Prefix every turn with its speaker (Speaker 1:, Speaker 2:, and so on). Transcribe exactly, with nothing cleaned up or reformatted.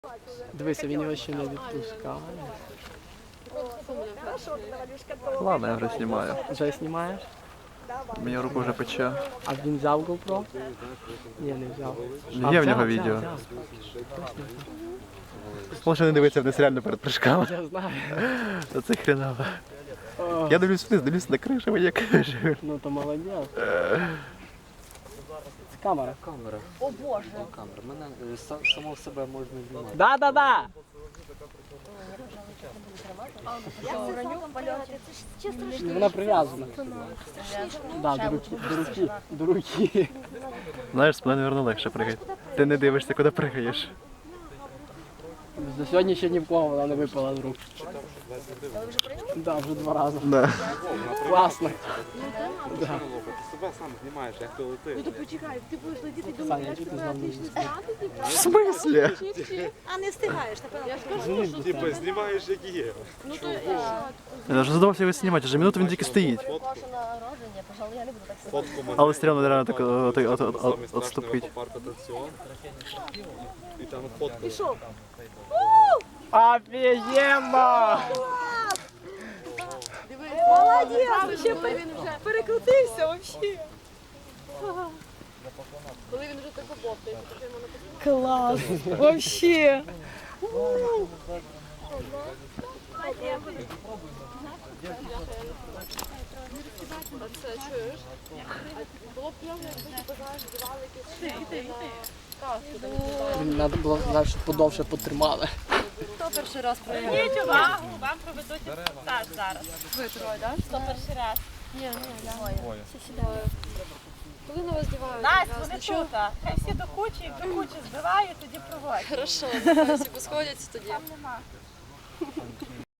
Speaker 1: Дивися, він його ще не відпускає.
Speaker 2: Ладно, я вже знімаю.
Speaker 1: Вже знімаєш?
Speaker 2: Мені руку вже пече.
Speaker 1: А він взяв GoPro? Ні, не взяв.
Speaker 2: Є в нього відео. Може не дивитися вниз реально перед прыжками.
Speaker 1: Я знаю.
Speaker 2: Це хреново. Я дивлюсь вниз, дивлюсь на кришу, мені каже.
Speaker 1: Ну то молодець. Це камера.
Speaker 3: Камера.
Speaker 4: О Боже!
Speaker 3: Камера. Мене е, са- самого себе можна знімати.
Speaker 1: Да-да-да!
Speaker 4: Я уроню польоти. Це ж чесно
Speaker 1: Ну, вона прив'язана. Да, до руки, до руки, до руки.
Speaker 2: Знаєш, з мене, мабуть, легше пригати. Ти не дивишся, куди пригаєш.
Speaker 1: До сьогодні ще ні в кого вона не випала з рук. Да, вже два рази.
Speaker 2: Да.
Speaker 1: Класно.
Speaker 5: Ти себе сам знімаєш, як ти летиш.
Speaker 4: Ну то почекай, ти будеш летіти до
Speaker 1: Саня,
Speaker 4: мене,
Speaker 1: чи ти
Speaker 4: тебе
Speaker 1: знову не
Speaker 4: отлично знати, типу.
Speaker 2: В смислі?
Speaker 4: А не встигаєш, напевно. Я ж кажу,
Speaker 5: Типа знімаєш, як є.
Speaker 4: ну то я.
Speaker 2: Я вже задавався його знімати, вже минуту він тільки стоїть.
Speaker 4: Ваше народження, пожалуй, я не буду так сказати.
Speaker 5: Фотку мене.
Speaker 2: Але стрімно реально так от- от- от-
Speaker 5: Самий
Speaker 2: от-
Speaker 5: страшний
Speaker 2: отступить.
Speaker 5: аквапарк атракціон. І там фотку.
Speaker 4: Пішов.
Speaker 1: Офігенно!
Speaker 4: Молодець! Ще він вже перекрутився взагалі. Коли він вже так обовтає, то вже йому написано.
Speaker 6: Класс! Вообще!
Speaker 4: Це чуєш? Було б прямо, якби ти бажаєш, дівали якісь на каску.
Speaker 1: Треба було сказати, що подовше потримали.
Speaker 4: Хто перший раз проявив?
Speaker 6: Зверніть увагу, вам проведуть інструктаж зараз.
Speaker 4: Ви троє, так?
Speaker 6: Хто перший раз?
Speaker 4: Ні, ні, двоє. Всі сідають. Коли на вас дівають?
Speaker 6: Настя, вони тут. Хай всі до кучі, як до кучі збивають, тоді проводять.
Speaker 4: Хорошо, нехай всі посходяться тоді.
Speaker 6: Там нема.